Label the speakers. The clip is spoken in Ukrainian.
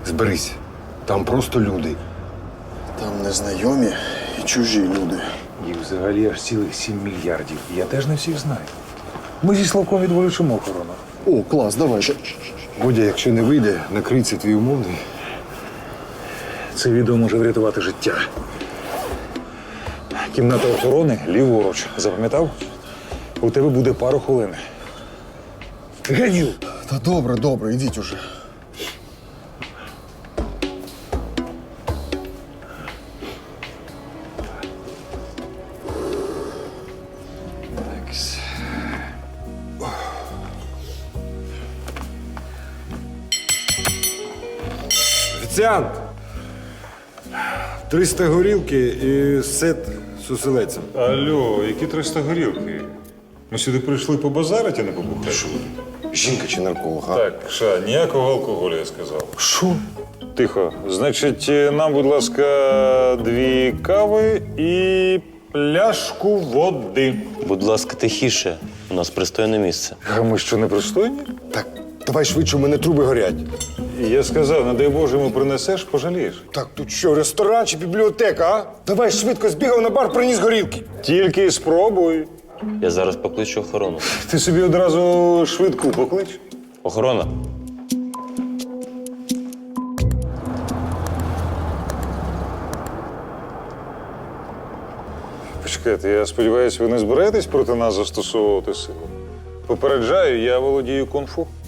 Speaker 1: Зберись. Там просто люди.
Speaker 2: Там незнайомі і чужі люди.
Speaker 3: Їх взагалі аж цілих 7 мільярдів. Я теж не всіх знаю. Ми зі Славком відволічимо охорону.
Speaker 2: О, клас, давай.
Speaker 1: Бодя, якщо не вийде, накрий твій умовний.
Speaker 3: Це відео може врятувати життя. Кімната охорони ліворуч. Запам'ятав? У тебе буде пару хвилин. Ганіл!
Speaker 2: Та добре, ідіть уже.
Speaker 1: Офіціант! 300 горілки і сет з оселедцем.
Speaker 4: Алло, які 300 горілки? Ми сюди прийшли побазарити, а не побухати.
Speaker 1: Жінка чи нарколог, а?
Speaker 4: Так, Ша, ніякого алкоголю, я сказав.
Speaker 1: Що?
Speaker 4: Тихо. Значить, нам, будь ласка, 2 кави і пляшку води.
Speaker 5: Будь ласка, тихіше. У нас пристойне місце.
Speaker 4: А ми що, не пристойні?
Speaker 1: Так, давай швидше, у мене труби горять.
Speaker 4: Я сказав, не дай Боже, йому принесеш, пожалієш.
Speaker 1: Так, тут що, ресторан чи бібліотека, а? Давай швидко збігав на бар, приніс горілки.
Speaker 4: Тільки спробуй.
Speaker 5: Я зараз покличу охорону.
Speaker 4: Ти собі одразу швидку поклич.
Speaker 5: Охорона.
Speaker 4: Почекайте, я сподіваюся, ви не збираєтесь проти нас застосовувати силу? Попереджаю, я володію кунг-фу.